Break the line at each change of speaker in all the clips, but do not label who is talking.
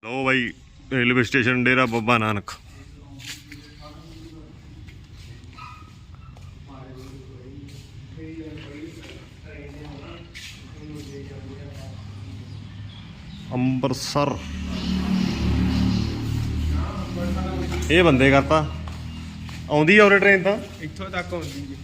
लो भाई railway station Dera Baba Nanak. Ambarsar ਇਹ ਬੰਦੇ ਕਰਤਾ ਆਉਂਦੀ ਆ ਉਰੇ ਟ੍ਰੇਨ ਤਾਂ
ਇੱਥੋਂ ਤੱਕ ਆਉਂਦੀ ਜੀ।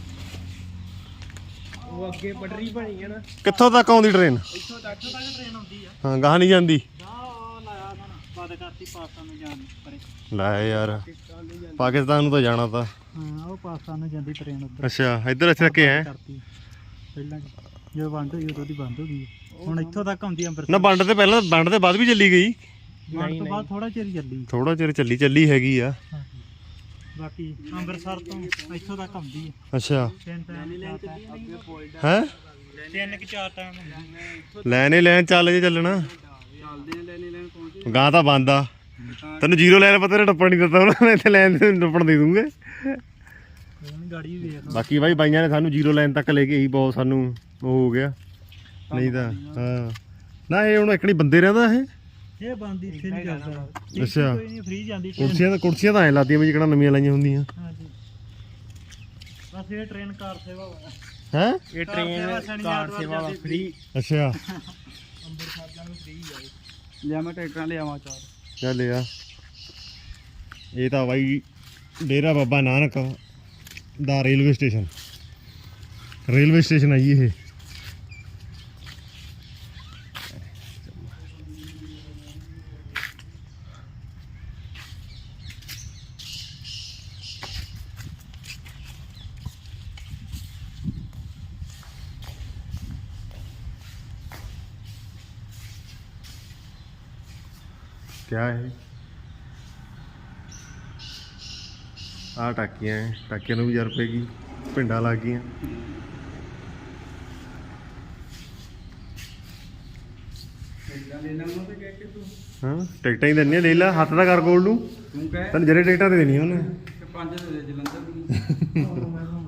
ਉਹ ਅੱਗੇ ਪਟਰੀ ਬਣੀ ਹੈ ਨਾ।
ਕਿੱਥੋਂ ਤੱਕ ਆਉਂਦੀ ਟ੍ਰੇਨ?
ਇੱਥੋਂ ਤੱਕ ਟ੍ਰੇਨ ਆਉਂਦੀ ਆ।
ਹਾਂ ਗਾਹ ਨਹੀਂ ਜਾਂਦੀ।
ਉਹ ਲਾਇਆ ਹੁਣ ਬੰਦ ਕਰਤੀ ਪਾਕਿਸਤਾਨ ਨੂੰ ਜਾਣ ਪਰੇ।
ਲੈ ਯਾਰ ਪਾਕਿਸਤਾਨ ਨੂੰ ਤਾਂ ਜਾਣਾ ਤਾਂ।
ਹਾਂ ਉਹ ਪਾਕਿਸਤਾਨ ਨੂੰ ਜਾਂਦੀ ਟ੍ਰੇਨ ਉੱਧਰ।
ਅੱਛਾ ਇੱਧਰ ਇੱਥੇ ਤੱਕ ਹੈ
ਪਹਿਲਾਂ ਜਦੋਂ ਵੰਡ ਹੋਈ ਉਦੋਂ ਦੀ ਬੰਦ ਹੋ ਗਈ। ਹੁਣ ਇੱਥੋਂ ਤੱਕ ਆਉਂਦੀ ਅੰਬਰਸਰ।
ਨਾ ਵੰਡ ਤੇ ਪਹਿਲਾਂ ਵੰਡ ਦੇ ਬਾਅਦ ਵੀ ਚੱਲੀ ਗਈ।
ਵੰਡ ਤੋਂ ਬਾਅਦ ਥੋੜਾ ਚਿਰ ਚੱਲੀ।
ਥੋੜਾ ਚਿਰ ਚੱਲੀ ਹੈਗੀ ਆ।
ਬਾਕੀ ਅੰਮ੍ਰਿਤਸਰ ਤੋਂ ਇੱਥੋਂ ਤੱਕ ਆਉਂਦੀ ਹੈ।
ਅੱਛਾ
ਤਿੰਨ
ਹੈ
3-4 ਟਾਈਮ ਹੁੰਦੀ।
ਲੈਣ ਚੱਲ ਜੇ ਚੱਲਣਾ
ਚੱਲਦੇ ਆ ਲੈਣ ਪਹੁੰਚੇ।
ਗਾਂ ਤਾਂ ਬੰਦ ਆ। ਤੈਨੂੰ ਜ਼ੀਰੋ ਲੈਣ ਪਤਾ ਨਹੀਂ ਟੱਪਣ ਨਹੀਂ ਦਿੱਤਾ ਉਹਨਾਂ ਨੇ। ਇੱਥੇ ਲੈਣ ਤੇ ਟੱਪਣ ਦੇ ਦੂੰਗੇ।
ਗਾੜੀ ਵੇਖ
ਬਾਕੀ ਬਾਈ ਬਾਈਆਂ ਨੇ ਸਾਨੂੰ ਜ਼ੀਰੋ ਲਾਈਨ ਤੱਕ ਲੈ ਕੇ ਹੀ ਬਹੁਤ ਸਾਨੂੰ ਉਹ ਹੋ ਗਿਆ। ਨਹੀਂ ਤਾਂ ਹਾਂ ਨਾ ਇਹ ਹੁਣ ਇਕਣੀ ਬੰਦੇ ਰਹਿੰਦਾ
ਇਹ ਬੰਦ ਇੱਥੇ ਨਹੀਂ ਕਰਦਾ।
ਅੱਛਾ
ਕੋਈ ਨਹੀਂ ਫ੍ਰੀ ਜਾਂਦੀ
ਕੁਰਸੀਆਂ ਤਾਂ ਐਂ ਲਾਦੀਆਂ ਵੀ ਜਿਹੜਾ ਨਵੀਆਂ ਲਾਈਆਂ ਹੁੰਦੀਆਂ।
ਹਾਂਜੀ ਬਸ ਇਹ ਟ੍ਰੇਨ ਕਾਰ ਸੇਵਾ
ਹੈ
ਇਹ ਟ੍ਰੇਨ ਕਾਰ ਸੇਵਾ ਫ੍ਰੀ।
ਅੱਛਾ
ਅੰਮ੍ਰਿਤਸਰ ਜਾਣ ਨੂੰ ਫ੍ਰੀ ਆ। ਲਿਆ ਮੈਂ ਟਿਕਟਾਂ ਲਿਆਵਾਂ 4
ਚੱਲ ਆ ਇਹ ਤਾਂ ਬਾਈ ਡੇਰਾ ਬਾਬਾ ਨਾਨਕ ਦਾ ਰੇਲਵੇ ਸਟੇਸ਼ਨ ਆਈ ਇਹ। क्या है आ टाकियां है। टाकियां ਨੂੰ ਵੀ 1000 रुपए की पिंडा लग गई। हाँ टिकटा ही देनी ले ला हथ का कर गोल नू तेन जरे टिकटा तो देनी उन्हें
5 ਦੇ ਦੇ ਜਲੰਧਰ ਦੀ।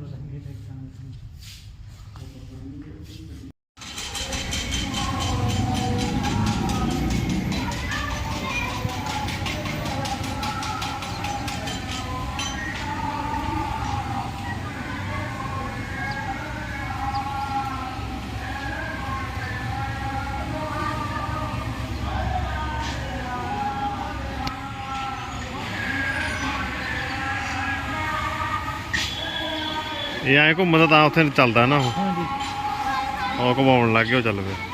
ਇਹ ਐਂ ਘੁੰਮਦਾ ਤਾਂ ਉੱਥੇ ਚੱਲਦਾ ਨਾ ਉਹ।
ਹਾਂਜੀ
ਉਹ ਘੁਮਾਉਣ ਲੱਗ ਗਿਆ ਉਹ ਚੱਲ ਪਿਆ।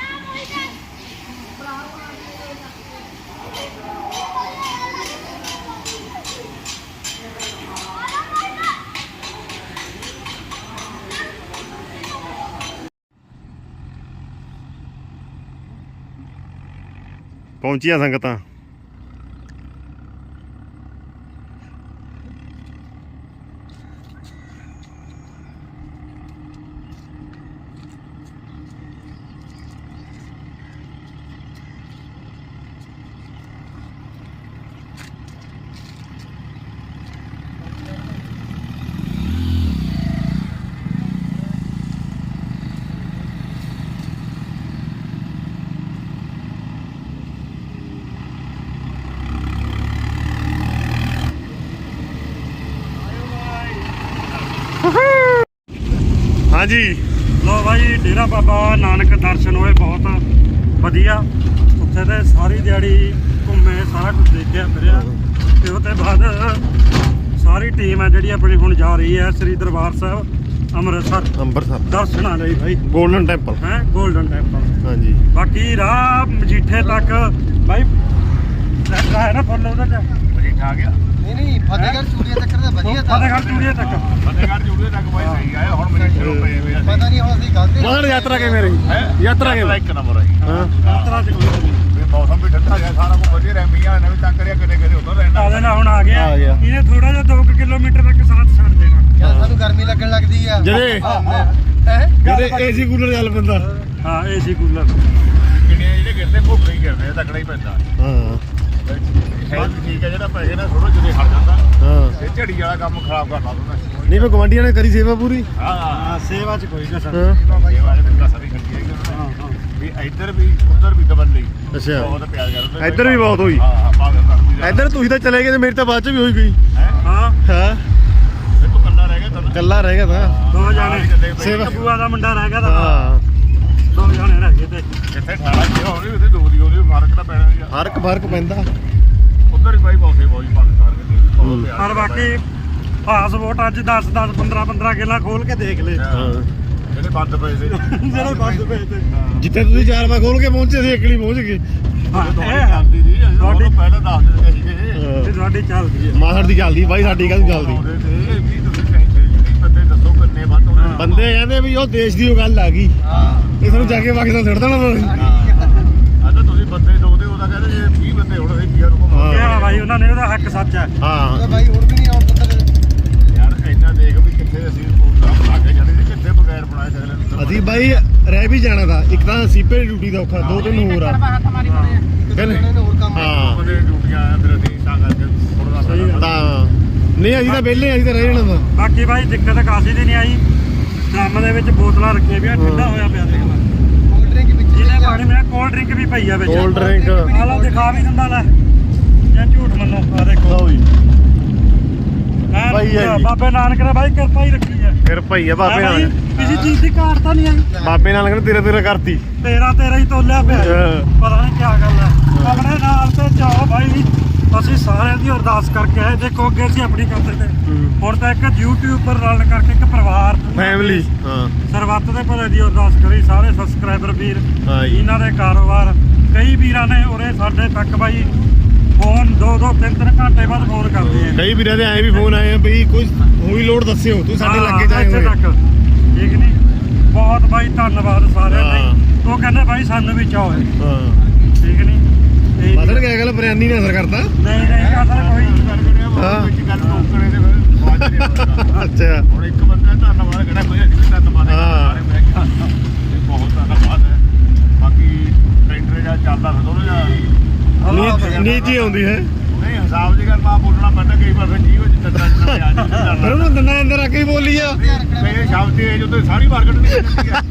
ਪਹੁੰਚੀਆਂ ਸੰਗਤਾਂ। हाँ जी
ਲੋ ਭਾਈ ਡੇਰਾ ਬਾਬਾ ਨਾਨਕ ਦਰਸ਼ਨ ਹੋਏ ਬਹੁਤ ਵਧੀਆ। ਉੱਥੇ ਤੇ ਸਾਰੀ ਦਿਹਾੜੀ ਘੁੰਮੇ ਸਾਰਾ ਕੁਝ ਦੇਖਿਆ ਫਿਰਿਆ ਤੇ ਉਹਦੇ ਬਾਅਦ ਸਾਰੀ ਟੀਮ ਹੈ ਜਿਹੜੀ ਆਪਣੀ ਹੁਣ ਜਾ ਰਹੀ ਹੈ ਸ੍ਰੀ ਦਰਬਾਰ ਸਾਹਿਬ ਅੰਮ੍ਰਿਤਸਰ ਦਰਸ਼ਨਾਂ ਲਈ ਭਾਈ।
ਗੋਲਡਨ ਟੈਂਪਲ
ਹੈ ਗੋਲਡਨ ਟੈਂਪਲ।
हाँ जी
ਬਾਕੀ ਰਾਹ ਮਜੀਠੇ ਤੱਕ ਭਾਈ ਲੈਟਰਾ ਹੈ ਨਾ ਫੁੱਲ ਉਹਦੇ ਚ
ਮਜੀਠਾ ਆ ਗਿਆ।
ਨਹੀਂ ਫਤਿਹਗੜ੍ਹ ਚੂੜੀਆਂ ਤੱਕ ਤਾਂ ਵਧੀਆ ਤਾਂ
ਫਤਿਹਗੜ੍ਹ ਚੂੜੀਏ ਤੱਕ
ਬਾਈ ਸਹੀ ਆਇਆ। ਹੁਣ ਮੇਰੇ ਸ਼ੁਰੂ ਪਏ ਹੋਏ ਆ।
ਪਤਾ ਨਹੀਂ ਹੁਣ ਅਸੀਂ ਗਲਤੀ
ਮਗਰ ਯਾਤਰਾ ਕਿਵੇਂ ਰਹੀ? ਯਾਤਰਾ ਕਿਵੇਂ?
ਇੱਕ ਨੰਬਰ ਹੈ।
ਹਾਂ
ਯਾਤਰਾ ਚ ਕੋਈ
ਵੀ ਮੌਸਮ ਵੀ ਠੰਡਾ ਗਿਆ ਸਾਰਾ ਕੁਝ ਵਧੀਆ ਰਿਹਾ। ਮੀਆਂ ਨੇ ਵੀ ਤੰਗ ਕਰਿਆ ਕਦੇ ਉਧਰ ਰਹਿਣਾ।
ਆਦੇ ਨਾਲ ਹੁਣ ਆ ਗਿਆ
ਆ ਗਿਆ।
ਇਹਨੇ ਥੋੜਾ ਜਿਹਾ 2 ਕਿਲੋਮੀਟਰ ਤੱਕ ਸਾਥ ਛੱਡ ਦੇਣਾ।
ਯਾਰ ਸਾਨੂੰ ਗਰਮੀ ਲੱਗਣ ਲੱਗਦੀ ਆ
ਜਿਹੜੇ ਏਸੀ ਕੂਲਰ ਚੱਲ ਪੈਂਦਾ।
ਹਾਂ ਏਸੀ ਕੂਲਰ
ਕਿੰਨੇ ਜਿਹੜੇ ਗਿਰਦੇ ਭੁੱਖੇ ਹੀ ਗਿਰਦੇ ਤਕੜਾ ਹੀ ਪੈਂਦਾ।
ਹਾਂ
ਹੈ ਠੀਕ ਹੈ ਜਿਹੜਾ ਪੈਸੇ ਨਾਲ ਥੋੜਾ ਜਿਹੇ ਹਟ ਜਾਂਦਾ।
ਹਾਂ
ਇਹ ਝੜੀ ਵਾਲਾ ਕੰਮ ਖਰਾਬ ਕਰਨਾ ਤੂੰ।
ਨਹੀਂ ਮੈਂ ਗਵਾਂਢੀਆਂ ਨੇ ਕਰੀ ਸੇਵਾ ਪੂਰੀ।
ਹਾਂ
ਸੇਵਾ ਚ ਕੋਈ ਕਸਰ
ਹਾਂ
ਸੇਵਾ ਦੇ ਬੰਦਾ ਸਾਰੀ ਖੱਟੀ ਹੈ।
ਹਾਂ
ਵੀ ਇੱਧਰ ਵੀ ਉੱਧਰ ਵੀ ਦਬਲ ਲਈ
ਅੱਛਾ
ਬਹੁਤ ਪਿਆਰ ਕਰਦੇ।
ਇੱਧਰ ਵੀ ਬਹੁਤ ਹੋਈ।
ਹਾਂ
ਇੱਧਰ ਤੁਸੀਂ ਤਾਂ ਚਲੇ ਗਏ ਤੇ ਮੇਰੀ ਤਾਂ ਬਾਅਦ ਚ ਵੀ ਹੋਈ ਗਈ
ਹਾਂ
ਹਾਂ
ਫਿਰ ਤੂੰ ਕੱਲਾ ਰਹਿ ਗਿਆ ਤਾਂ
ਕੱਲਾ ਰਹਿ ਗਿਆ ਤਾਂ
ਦੋ ਜਾਣੇ
ਸੇਵਾ
ਬੂਆ ਦਾ ਮੁੰਡਾ ਰਹਿ ਗਿਆ ਤਾਂ
ਹਾਂ
ਦੋ ਜਾਣੇ ਰਹਿ ਗਏ ਤੇ
ਕਿੱਥੇ 18 ਕੀ ਹੋ ਰਹੀ ਉਹਦੇ ਦੋ ਦੀ ਉਹਦੇ ਫਰਕ ਤਾਂ ਪੈਣਾ ਯਾਰ
ਫਰਕ ਪੈਂਦਾ
ਉਧਰ ਹੀ ਬਾਈ ਬੌਸੇ ਬੌਜੀ ਪਾਕਿਸਤਾਨ ਦੇ ਬਹੁਤ ਪਿਆਰ
ਪਰ ਬਾਕੀ ਪਾਸਪੋਰਟ ਅੱਜ 10 15 ਕਿੱਲਾ ਖੋਲ ਕੇ ਦੇਖ ਲੈ
ਹਾਂ
ਜਿਹੜੇ ਬੰਦ ਪਏ ਸੀ
ਜਿਹੜੇ ਬੰਦ ਪਏ ਤੇ
ਜਿੱਥੇ ਤੁਸੀਂ 4 ਵਜੇ ਖੋਲ ਕੇ ਪਹੁੰਚੇ ਸੀ ਇਕਲੀ ਪਹੁੰਚ ਗਏ
ਇਹ
ਚੱਲਦੀ ਸੀ ਅਸੀਂ
ਤੁਹਾਡੀ-
ਉਹਨੂੰ ਪਹਿਲਾਂ ਦੱਸ ਦਿੰਦੇ ਸੀਗੇ
ਇਹ ਤੁਹਾਡੀ ਚੱਲਦੀ ਹੈ
ਮਾਸੜ ਦੀ ਚੱਲਦੀ ਬਾਈ ਸਾਡੀ ਕਾਹਦੀ ਚੱਲਦੀ
ਉਹਦੇ ਤੇ ਵੀ ਤੁਸੀਂ ਟੈਨਸ਼ਨ ਬੰਦੇ ਦੱਸੋ ਕਿੰਨੇ ਬੰਦ ਹੋਣੇ
ਬੰਦੇ ਕਹਿੰਦੇ ਵੀ ਉਹ ਦੇਸ਼ ਦੀ ਉਹ ਗੱਲ ਆ ਗਈ ਇਹ ਸਾਨੂੰ ਜਾ ਕੇ ਪਾਕਿਸਤਾਨ ਛੱਡ ਦੇਣਾ ਉਹਨਾਂ ਨੇ
ਆ ਤਾਂ ਤੁਸੀਂ ਬੰਦੇ ਦੋ ਦੇ ਉਹਦਾ ਕਹਿੰਦੇ ਜੇ 20 ਬੰਦੇ ਹੋਣ ਅਸੀਂ ਕੀ ਨੂੰ
ਹਾਂ।
ਕਿਹਾ ਭਾਈ ਉਹਨਾਂ ਨੇ ਉਹਦਾ ਹੱਕ ਸੱਚ ਹੈ
ਹਾਂ
ਬਾਈ ਹੋਰ ਵੀ ਨਹੀਂ ਆਉਣ ਦਿੰਦਾ
ਯਾਰ ਇੰਨਾ ਦੇਖ ਵੀ ਕਿੱਥੇ ਅਸੀਂ ਪ੍ਰੋਗਰਾਮ ਲਾ ਕੇ ਚਲੇ ਸੀ ਕਿੱਥੇ ਬਗੈਰ ਬਣਾਏ ਸਕਦੇ
ਅਸੀਂ ਬਾਈ ਰਹਿ ਵੀ ਜਾਣਾ ਦਾ ਇੱਕ ਤਾਂ ਸੀਪੇ ਦੀ ਡਿਊਟੀ ਦਾ ਔਖਾ ਦੋ ਤਿੰਨ ਹੋਰ ਆ ਕਹਿੰਦੇ
ਹੋਰ ਕੰਮ
ਹਾਂ
ਉਹਦੇ ਡਿਊਟੀਆਂ ਆ ਫਿਰ ਅਸੀਂ ਤਾਂ ਕਰਕੇ ਥੋੜਾ
ਸਹੀ ਗੱਲ।
ਤਾਂ ਨਹੀਂ ਅਸੀਂ ਤਾਂ ਵਿਹਲੇ ਅਸੀਂ ਤਾਂ ਰਹਿ ਜਾਣਾ ਦਾ
ਬਾਕੀ ਭਾਈ ਦਿੱਕਤ ਕਾਸੀ ਦੀ ਨਹੀਂ ਆਈ ਡਰਮ ਦੇ ਵਿੱਚ ਬੋਤਲਾਂ ਰੱਖੀਆਂ ਵੀ ਠੰਡਾ ਹੋਇਆ ਪਿਆ ਦੇਖ ਲੈ
ਕੋਲਡ ਡਰਿੰਕ ਵਿੱਚ
ਜਿਹਨੇ ਪਾਣੀ ਮੈਂ ਕੋਲਡ ਡਰਿੰਕ ਵੀ ਪਈ ਆ ਵਿੱਚ
ਕੋਲਡ ਡਰਿੰਕ
ਆ ਲਓ ਦਿਖਾ ਵੀ ਦਿੰਦਾ ਲੈ ਜਾਂ ਝੂਠ ਮੰਨੋ ਆ ਦੇਖੋ
ਲਓ ਜੀ
ਐਨ
ਭਾਈ ਹੈ
ਪੂਰਾ
ਜੀ।
ਬਾਬੇ ਨਾਨਕ ਨੇ ਭਾਈ ਕਿਰਪਾ ਹੀ ਰੱਖੀ ਹੈ
ਫਿਰ ਭਾਈ ਆ ਬਾਬੇ ਨਾਲ
ਕਿਸੇ ਚੀਜ਼ ਦੀ ਘਾਟ ਤਾਂ ਨਹੀਂ ਆਈ
ਬਾਬੇ ਨਾਲ ਕਹਿੰਦੇ ਤੇਰੇ ਕਰਤੀ
ਤੇਰਾ ਹੀ ਤੋਲਿਆ ਪਿਆ ਹੈ।
ਹਾਂ।
ਪਤਾ ਨਹੀਂ ਕੀ ਗੱਲ ਹੈ ਆਪਣੇ ਨਾਲ ਤੇ ਜਾਓ ਭਾਈ ਅਸੀਂ ਸਾਰਿਆਂ ਦੀ ਅਰਦਾਸ ਕਰਕੇ ਆਏ ਦੇਖੋ ਅੱਗੇ ਅਸੀਂ ਆਪਣੀ ਕਰਦੇ ਤੇ ਹੁਣ ਤਾਂ ਇੱਕ YouTube ਪਰ ਰਲ ਕਰਕੇ ਇੱਕ ਪਰਿਵਾਰ
ਫੈਮਿਲੀ ਹਾਂ
ਸਰਬੱਤ ਦੇ ਭਲੇ ਦੀ ਅਰਦਾਸ ਕਰੀ ਸਾਰੇ ਸਬਸਕ੍ਰਾਈਬਰ ਵੀਰ
ਹਾਂ ਜੀ
ਇਹਨਾਂ ਦੇ ਕਾਰੋਬਾਰ ਕਈ ਵੀਰਾਂ ਨੇ ਉਰੇ ਸਾਡੇ ਤੱਕ ਬਾਈ ਫੋਨ 2-2 3-3 ਘੰਟੇ ਬਾਅਦ ਫੋਨ ਕਰਦੇ ਆ
ਕਈ ਵੀਰਾਂ ਦੇ ਐਂ ਵੀ ਫੋਨ ਆਏ ਆ ਬਈ ਕੋਈ ਹੋਈ ਲੋੜ ਦੱਸਿਓ ਤੂੰ ਸਾਡੇ
ਹਾਂ,
ਲੱਗੇ ਜਾਏ
ਇੱਥੇ
ਹੋਏ
ਤੱਕ ਠੀਕ ਨਹੀਂ ਬਹੁਤ ਬਾਈ ਧੰਨਵਾਦ ਸਾਰਿਆਂ
ਹਾਂ।
ਦਾ ਉਹ ਕਹਿੰਦੇ ਬਾਈ ਸਾਨੂੰ ਵੀ ਚਾਹੋ
ਹਾਂ
ਠੀਕ ਨਹੀਂ ਇਹ
ਮਦਰ ਕਿਆ ਗੱਲ ਬਰਿਆਨੀ ਨੇ ਅਸਰ ਕਰਤਾ
ਨਹੀਂ ਅਸਲ ਕੋਈ
ਹਾਂ ਵਿੱਚ ਗੱਲ ਟੋਕਰੇ ਦੇ ਫਿਰ ਬਾਅਦ ਚ ਨਹੀਂ ਹੋਣਾ।
ਅੱਛਾ
ਹੁਣ ਇੱਕ ਬੰਦਾ ਧੰਨਵਾਦ ਕਿਹੜਾ ਕੋਈ ਅੱਜ ਵੀ ਧੰਨਵਾਦ ਹੈ
ਹਾਂ।
ਸਾਰੇ ਬਹਿ ਕੇ। ਇਹ ਬਹੁਤ ਧੰਨਵਾਦ ਹੈ ਬਾਕੀ ਟਰੈਕਟਰ ਜਾਂ ਚੱਲਦਾ ਫਿਰ ਥੋੜਾ ਜਿਹਾ
ਨੀਤੀ ਆਉਂਦੀ ਹੈ
ਨਹੀਂ ਹਿਸਾਬ ਦੀ ਗੱਲ ਮਾ ਬੋਲਣਾ ਪੈਂਦਾ ਕਈ ਵਾਰ ਫਿਰ ਜੀਵ ਚ ਤੱਤਾਂ ਨਾ ਆ
ਫਿਰ
ਜਾਂਦੀ
ਉਹਨੂੰ ਦੰਦਾਂ ਅੰਦਰ ਆ ਕੇ ਬੋਲੀ ਆ
ਮੇਰੇ ਸ਼ਬਦ ਤੇ ਜੋ ਤੇ ਸਾਰੀ ਮਾਰਕੀਟ ਨਹੀਂ ਜਾਂਦੀ ਹੈ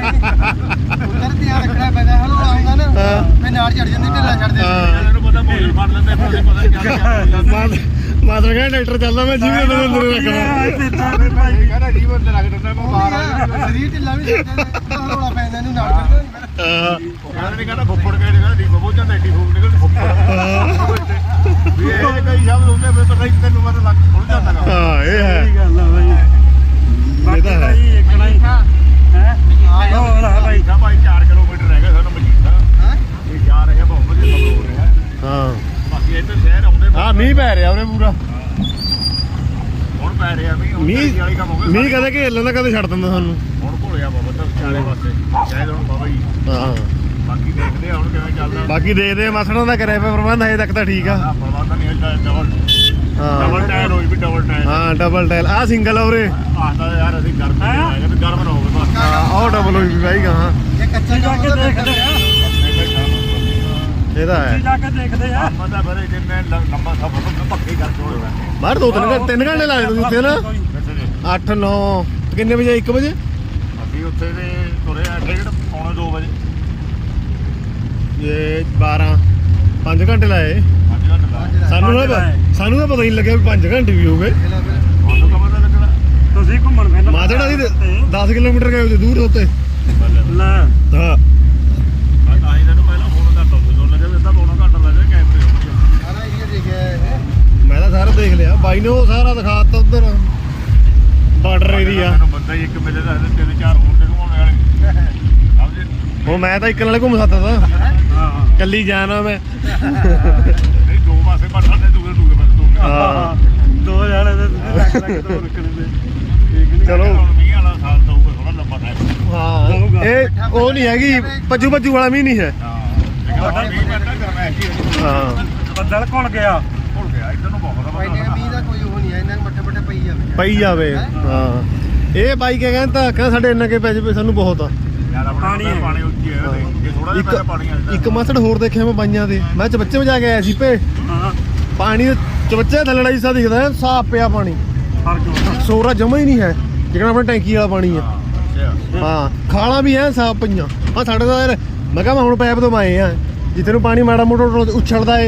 ਉਧਰ ਧਿਆਨ ਰੱਖਣਾ ਪੈਂਦਾ ਹਲੋ ਆਉਂਦਾ ਨਾ
ਹਾਂ।
ਫੇ ਨਾਲ ਚੜ ਜਾਂਦੀ ਢਿੱਲਾ ਚੜਦੇ
ਹਾਂ।
ਇਹਨੂੰ ਪਤਾ ਭੋਜਨ ਫੜ ਲੈਂਦੇ ਫਿਰ ਉਹਨੂੰ ਪਤਾ ਕੀ
ਮਾਦਰ ਕਹਿੰਦਾ ਡਾਕਟਰ ਚੱਲਦਾ ਮੈਂ ਜਿਵੇਂ ਅੰਦਰ ਰੱਖਣਾ
ਕਹਿੰਦਾ ਜੀਵਨ ਤੇ ਲੱਗ ਦਿੰਦਾ ਮੈਂ ਬਾਹਰ ਆ ਗਿਆ
ਸਰੀਰ ਢਿੱਲਾ ਵੀ ਹਲੋਲਾ ਪੈਂਦਾ ਇਹਨੂੰ ਨਾਲ ਚੜਦਾ
ਹਾਂ
ਕਹਿੰਦਾ ਨਹੀਂ ਕਹਿੰਦਾ ਫੁੱਫੜ ਕੇ ਕਹਿੰਦਾ ਡੀ ਬਬੋ ਜਾਂਦਾ ਡੀ ਫੁੱਫੜ ਨਿਕਲ ਫੁੱਫੜ ਵੀ ਇਹ ਕਈ ਸ਼ਬਦ ਹੁੰਦੇ ਫਿਰ ਪਤਾ ਹੀ ਤੈਨੂੰ ਮਤ ਲੱਗ ਖੁੱਲ ਜਾਂਦਾ ਗਾ।
ਹਾਂ ਇਹ ਹੈ
ਸਹੀ ਗੱਲ ਆ ਬਾਈ ਬਾਕੀ
ਤਾਂ ਹੈ।
ਬਾਈ ਇੱਕਣਾ ਹੀ ਹੈ ਹੋਰ ਆ ਬਾਈ
ਮਜੀਠਾ ਭਾਈ 4 ਕਿਲੋਮੀਟਰ ਰਹਿ ਗਿਆ ਸਾਨੂੰ ਮਜੀਠਾ
ਹਾਂ
ਇਹ ਜਾ ਰਹੇ ਆ ਬਹੁਤ ਵਧੀਆ ਸਫ਼ਰ ਹੋ ਰਿਹਾ
ਹਾਂ
ਬਾਕੀ ਇੱਧਰ ਸ਼ਹਿਰ ਆਉਂਦੇ
ਹਾਂ ਮੀਂਹ ਪੈ ਰਿਹਾ ਉਹਨੇ ਪੂਰਾ
ਹੁਣ ਪੈ ਰਿਹਾ ਮੀਂਹ ਹੁਣ
ਮੀਂਹ
ਢੇਰੀ ਵਾਲੀ ਕੰਮ ਹੋ ਗਿਆ
ਮੀਂਹ ਕਦੇ ਘੇਰ ਲੈਂਦਾ ਕਦੇ ਛੱਡ ਦਿੰਦਾ ਸਾਨੂੰ
ਹੁਣ ਘੋਲਿਆ ਬਾਬਾ ਤਾਂ ਚਾਰੇ ਪਾਸੇ ਸ਼ਾਇਦ ਹੁਣ ਬਾਬਾ ਜੀ
ਹਾਂ
ਬਾਕੀ ਦੇਖਦੇ ਆ ਹੁਣ ਕਿਵੇਂ ਚੱਲਦਾ
ਬਾਕੀ ਦੇਖਦੇ ਆ ਮਸੜਾਂ ਦਾ ਕਰਿਆ ਪਿਆ ਪ੍ਰਬੰਧ ਹਜੇ ਤੱਕ ਤਾਂ ਠੀਕ ਆ
ਹਾਂ ਪ੍ਰਬੰਧ ਨਹੀਂ ਹੁੰਦਾ ਡਬਲ
ਹਾਂ
ਟਾਇਰ ਹੋਈ ਵੀ ਡਬਲ ਟਾਇਰ
ਹਾਂ ਡਬਲ ਟਾਇਲ ਆ ਸਿੰਗਲ ਆ ਉਰੇ
ਆਹਦਾ ਯਾਰ ਅਸੀਂ ਗਰਮ ਨਹੀਂ ਆਏਗਾ ਤੇ ਗਰਮ ਨਾ ਹੋਵੇ ਬਸ
ਹਾਂ ਉਹ ਡਬਲ ਹੋਈ ਵੀ ਬਾਈ ਹਾਂ
ਜੇ ਕੱਚਾ
ਜਾ ਕੇ
ਕੰਮ
ਦੇਖਦੇ ਆ
ਇਹਦਾ ਹੈ
ਜਾ ਕੇ ਦੇਖਦੇ ਆ
ਆਪਾਂ ਤਾਂ ਫਿਰ ਜਿੰਨੇ ਲੰਬਾ ਸਫ਼ਰ ਤੋਂ ਪੱਕੇ ਕਰਕੇ ਹੋਣਾ
ਬਾਹਰ 3 ਘੰਟੇ ਲਾਏ ਤੁਸੀਂ ਉੱਥੇ ਨਾ 8 9 ਕਿੰਨੇ ਵਜੇ 1 ਵਜੇ
ਅਸੀਂ ਉੱਥੇ ਦੇ ਤੁਰੇ ਆ 1:30 ਪੌਣੇ 2 ਵਜੇ
ਇਹ 12 5 ਘੰਟੇ ਲਾਏ
5 ਘੰਟੇ ਲਾਏ
ਸਾਨੂੰ ਤਾਂ ਪਤਾ ਹੀ ਨਹੀਂ ਲੱਗਿਆ ਵੀ 5 ਘੰਟੇ ਵੀ ਹੋ ਗਏ
ਤੁਹਾਨੂੰ ਕਦੋਂ ਦਾ ਲੱਗਣਾ
ਤੁਸੀਂ ਘੁੰਮਣ ਫਿਰਨ
ਮਾਝੜਾ ਦੀ 10 ਕਿਲੋਮੀਟਰ ਗਏ ਉਹਦੇ ਦੂਰ ਉੱਤੇ
ਲੈ
ਹਾਂ
ਮੈਂ ਤਾਂ ਹੀ ਤੈਨੂੰ ਪਹਿਲਾਂ ਫੋਨ ਕਰਤਾ ਸੀ ਤੁਹਾਨੂੰ ਲੱਗਿਆ ਵੀ ਅੱਧਾ ਪੌਣਾ ਘੰਟਾ ਲੱਗ ਜਾਏ ਕੈਮਰੇ ਹੋ ਗਏ
ਸਾਰਾ ਏਰੀਆ ਦੇਖਿਆ ਇਹ
ਮੈਂ ਤਾਂ ਸਾਰਾ ਦੇਖ ਲਿਆ ਬਾਈ ਨੇ ਉਹ ਸਾਰਾ ਦਿਖਾਤਾ ਉਧਰ ਬਾਰਡਰ ਏਰੀਆ
ਮੈਨੂੰ ਬੰਦਾ ਹੀ ਇੱਕ ਮਿਲੇ ਦਾ 3-4 ਹੋਰ ਦੇ ਘੁਮਾਉਣੇ ਵਾਲੇ ਸਮਝੇ
ਉਹ ਮੈਂ ਤਾਂ ਇੱਕ ਨਾਲੇ ਘੁੰਮ ਸਕਦਾ ਤਾਂ
ਹਾਂ
ਕੱਲੀ ਜਾਣਾ ਮੈਂ
ਨਹੀਂ ਦੋ ਪਾਸੇ ਪੜ ਸਕਦੇ ਦੂਏ ਪਾਸੇ ਦੋ
ਹਾਂ
ਦੋ ਜਾਣੇ ਦੇ ਤੁਸੀਂ ਲੱਗ ਦੋ ਰੱਖਣੇ ਦੇ ਠੀਕ ਨਹੀਂ
ਚਲੋ।
ਹੁਣ ਮੀਂਹ ਵਾਲਾ ਸਾਲ ਦਊਗਾ ਥੋੜਾ ਲੰਬਾ ਟਾਈਮ
ਹਾਂ ਇਹ ਉਹ ਨਹੀਂ ਹੈਗੀ ਭੱਜੂ ਵਾਲਾ ਵੀ ਨਹੀਂ ਹੈ
ਹਾਂ ਲੇਕਿਨ ਮੀਂਹ ਪੈਂਦਾ ਗਰਮੈਸ਼ ਹੀ ਹੈ
ਹਾਂ
ਬੱਦਲ ਘੁਲ ਗਿਆ
ਭੁੱਲ ਗਿਆ ਇੱਧਰ ਨੂੰ ਬਹੁਤ
ਭਾਈ ਨੇ ਮੀਂਹ ਦਾ ਕੋਈ ਉਹ ਨਹੀਂ ਹੈ ਇਹਨਾਂ ਨੂੰ ਮੱਠੇ ਮੱਠੇ ਪਈ ਜਾਵੇ
ਪਈ ਜਾਵੇ ਹਾਂ ਇਹ ਬਾਈ ਕਿਆ ਕਹਿੰਦਾ ਸਾਡੇ ਇੰਨਾ ਕੇ ਪੈ ਜਾਵੇ ਸਾਨੂੰ ਬਹੁਤ ਆ
ਯਾਰ ਆਪਣਾ
ਪਾਣੀ ਹੈ।
ਪਾਣੀ ਉੱਚੀ ਹੈ ਜੇ ਥੋੜਾ ਜਿਹਾ ਪਹਿਲਾਂ ਪਾਣੀ ਆ
ਇੱਕ ਮਸੜ ਹੋਰ ਦੇਖਿਆ ਮੈਂ ਬਾਈਆਂ ਦੇ ਮੈਂ ਚਬੱਚੇ ਵਜਾ ਕੇ ਆਇਆ ਸੀ ਭੇ
ਹਾਂ
ਪਾਣੀ ਚਬੱਚੇ ਥੱਲੜਾ ਹੀ ਸਾ ਦਿਖਦਾ ਹੈ, ਸਾਫ਼ ਪਿਆ ਪਾਣੀ
ਫਰਕ ਹੁੰਦਾ
ਸੋਰਾ ਜਮਾ ਹੀ ਨਹੀਂ ਹੈ ਜਿਹੜਾ ਆਪਣਾ ਟੈਂਕੀ ਵਾਲਾ ਪਾਣੀ ਹੈ
ਅੱਛਾ
ਹਾਂ ਖਾਲਾਂ ਵੀ ਐ ਸਾਫ਼ ਪਈਆਂ ਆ ਸਾਡੇ ਦਾ ਯਾਰ ਮੈਂ ਕਿਹਾ ਮੈਂ ਹੁਣ ਪੈਪ ਤੋਂ ਆਏ ਆ ਜਿੱਥੇ ਨੂੰ ਪਾਣੀ ਮਾੜਾ ਮੋਟਾ ਉਛਲਦਾ ਏ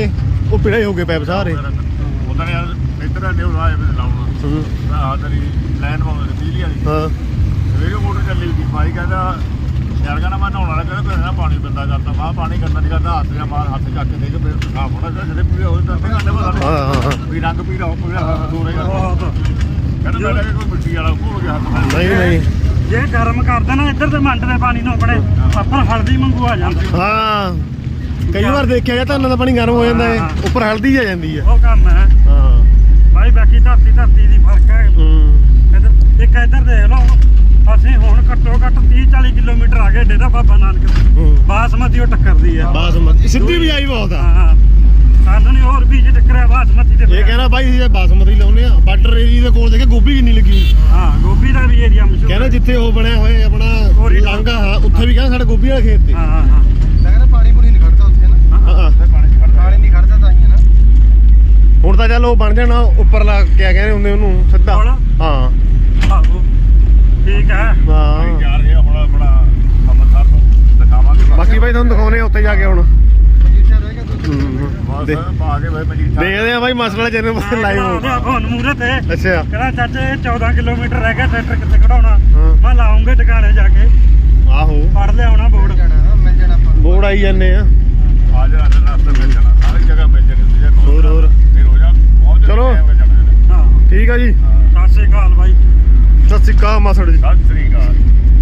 ਉਹ ਪੀਲੇ ਹੋ ਗਏ ਪੈਪ ਸਾਰੇ।
ਉਹਦਾਂ ਨੇ ਇੱਧਰ ਨੇ ਉਹ ਆਏ ਵੀ ਲਾਉਣਾ ਆਹ ਤੇਰੀ ਲਾਈਨ ਪਾਉਂਦੇ ਬਿਜਲੀ ਵਾਲੀ।
ਹਾਂ
ਸਵੇਰੇ ਮੋਟਰ ਚੱਲੀ ਸੀ ਭਾਈ ਕਹਿੰਦਾ ਯਾਰ ਕਹਿੰਦਾ ਮੈਂ ਨਹਾਉਣ ਵਾਲਾ ਕਹਿੰਦਾ ਨਾ ਪਾਣੀ ਬੰਦਾ ਕਰਦਾ ਮੈਂ ਪਾਣੀ ਕਰਨਾ ਨਹੀਂ ਕਰਦਾ ਹੱਥ ਜਾਂ ਮਾਰ ਹੱਥ ਚੱਕ ਕੇ ਦੇ ਕੇ ਫਿਰ ਸਾਫ ਹੋਣਾ ਜਿਹੜੇ ਪੂਰੇ ਹੋ ਜਾਂਦੇ ਘੰਟੇ ਬਾਅਦ
ਹਾਂ
ਵੀ ਰੰਗ ਪੀਲਾ ਹੋ ਪੂਰਾ ਦੂਰੇ
ਬਹੁਤ
ਕਹਿੰਦਾ ਮੈਂ ਲੱਗੇ ਕੋਈ ਮਿੱਟੀ ਵਾਲਾ ਹੋ ਗਿਆ ਹੱਥ
ਨਹੀਂ ਨਹੀਂ
ਜੇ ਗਰਮ ਕਰਦੇ ਨਾ ਇੱਧਰ ਤੇ ਮੰਡ ਦੇ ਪਾਣੀ ਨੂੰ ਆਪਣੇ ਉੱਪਰ ਹਲਦੀ ਮੰਗੂ ਆ ਜਾਂਦੀ।
ਹਾਂ ਕਈ ਵਾਰ ਦੇਖਿਆ ਗਿਆ ਧਾਨਾਂ ਦਾ ਪਾਣੀ ਗਰਮ ਹੋ ਜਾਂਦਾ ਹੈ ਉੱਪਰ ਹਲਦੀ ਆ ਜਾਂਦੀ ਹੈ।
ਉਹ ਕੰਮ ਹੈ
ਹਾਂ
ਭਾਈ ਬਾਕੀ ਧਰਤੀ ਦੀ ਫਰਕ ਹੈ। ਇੱਧਰ ਇੱਕ ਇੱਧਰ ਦੇਖ ਲਓ ਅਸੀਂ ਹੁਣ ਘੱਟੋ ਘੱਟ 30-40 ਕਿਲੋਮੀਟਰ ਆ ਗਏ ਡੇਰਾ ਬਾਬਾ ਨਾਨਕ ਬਾਸਮਤੀ ਉਹ ਟੱਕਰਦੀ ਹੈ।
ਬਾਸਮਤੀ ਸਿੱਧੀ ਵੀ ਆਈ ਬਹੁਤ ਆ।
ਹਾਂ ਸਾਨੂੰ ਨਹੀਂ ਹੋਰ ਬੀਜ ਟੱਕਰਿਆ ਬਾਸਮਤੀ ਦੇ।
ਇਹ ਕਹਿੰਦਾ ਬਾਈ ਇਹ ਬਾਸਮਤੀ ਲਾਉਨੇ ਆ ਬਾਰਡਰ ਏਰੀਆ ਦੇ ਕੋਲ ਦੇਖੇ ਗੋਭੀ ਕਿੰਨੀ ਲੱਗੀ ਹੋਈ।
ਹਾਂ ਗੋਭੀ ਦਾ ਵੀ ਏਰੀਆ ਮਸ਼ਹੂਰ
ਕਹਿੰਦਾ ਜਿੱਥੇ ਉਹ ਬਣਿਆ ਹੋਇਆ ਆਪਣਾ ਲਾਂਘਾ ਹਾਂ ਉੱਥੇ ਵੀ ਕਹਿੰਦਾ ਸਾਡੇ ਗੋਭੀ ਵਾਲੇ ਖੇਤ ਤੇ।
ਹਾਂ ਹਾਂ ਹਾਂ
ਲੱਗਦਾ ਪਾਣੀ ਪੂਣੀ ਨਹੀਂ ਖੜਦਾ ਉੱਥੇ ਨਾ।
ਹਾਂ
ਪਾਣੀ ਨਹੀਂ ਖੜਦਾ ਤਾਂ ਹੀ ਹੈ ਨਾ।
ਹੁਣ ਤਾਂ ਚੱਲ ਉਹ ਬਣ ਜਾਣਾ ਉੱਪਰਲਾ ਕਿਆ ਕਹਿੰਦੇ ਹੁੰਦੇ ਉਹਨੂੰ ਸਿੱਧਾ। ਹਾਂ
ਆਹੋ ਠੀਕ ਹੈ।
ਹਾਂ
ਯਾਰ ਇਹ ਹੁਣ ਆਪਣਾ ਅੰਮ੍ਰਿਤਸਰ ਨੂੰ ਦਿਖਾਵਾਂਗੇ
ਬਾਕੀ ਬਾਈ ਤੁਹਾਨੂੰ ਦਿਖਾਉਨੇ ਆ ਉੱਤੇ ਜਾ ਕੇ ਹੁਣ।
ਮਜੀਠਾ ਰਹਿ ਗਿਆ
ਬਸ ਪਾ ਕੇ ਬਾਈ ਮਜੀਠਾ
ਦੇਖਦੇ ਆ ਬਾਈ ਮਸਲਾ ਚੈਨਲ ਤੇ ਲਾਈਵ ਹੋ।
ਫੋਨ ਮੂਰੇ ਤੇ
ਅੱਛਾ
ਕਹਿੰਦਾ ਚਾਚੇ 14 ਕਿਲੋਮੀਟਰ ਰਹਿ ਗਿਆ ਟਰੈਕਟਰ ਕਿੱਥੇ ਖੜਾਉਣਾ।
ਹਾਂ।
ਮੈਂ ਲਾਉਂਗੇ ਟਿਕਾਣੇ ਜਾ ਕੇ
ਆਹੋ
ਪੜ ਲਿਆਉਣਾ ਬੋਰਡ।
ਜਾਣਾ ਮਿਲ ਜਾਣਾ ਆਪਾਂ ਨੂੰ।
ਬੋਰਡ ਆਈ ਜਾਂਦੇ ਆ।
ਆ ਜਾਣਾ ਰਸਤੇ ਮਿਲ ਜਾਣਾ ਸਾਰੀ ਜਗ੍ਹਾ ਮਿਲ ਜਾਣੀ
ਹੋਰ
ਫਿਰ ਹੋ ਜਾ ਪਹੁੰਚ
ਚਲੋ।
ਹਾਂ
ਠੀਕ ਆ ਜੀ
ਸਤਿ ਸ਼੍ਰੀ ਅਕਾਲ ਬਾਈ।
ਸਤਿ ਸ਼੍ਰੀ ਅਕਾਲ ਮਾਸੜ ਜੀ।
ਸਤਿ ਸ੍ਰੀ ਅਕਾਲ।